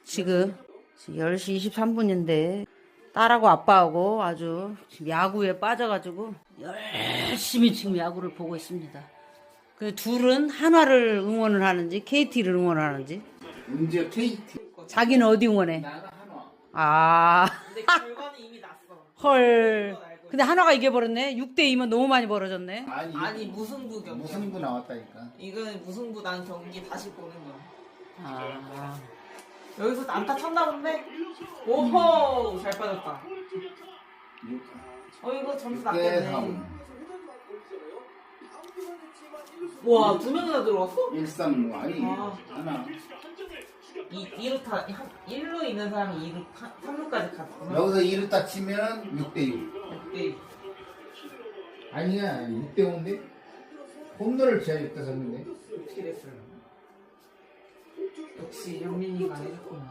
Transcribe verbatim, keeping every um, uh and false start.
지금 열 시 이십삼 분인데 딸하고 아빠하고 아주 지금 야구에 빠져가지고 열심히 지금 야구를 보고 있습니다. 그 둘은 한화를 응원을 하는지 케이티를 응원하는지. 문제 케이티. 자기는 어디 응원해? 나는 한화. 아. 근데 결과는 이미 났어. 헐. 근데 한화가 이겨버렸네. 육 대 이면 너무 많이 벌어졌네. 아니, 아니 무승부 경기. 무승부 나왔다니까. 이거는 무승부 난 경기 다시 보는 거야. 아. 여기서 안타 쳤나 본데? 오호 잘 빠졌다. 어 이거 점수 육 대 났겠네. 삼. 와 두 명이나 들어왔어? 일 삼 아니 아. 하나. 이 일 루 타 일 루 있는 사람이 이 루 삼 루까지 갔구나. 여기서 이 루 딱 치면 육 대 육. 네. 아니야 육 대 오인데 홈런을 쳐야 육 대 삼인데. 어떻게 됐어요? 역시 영민이가 해줬구나.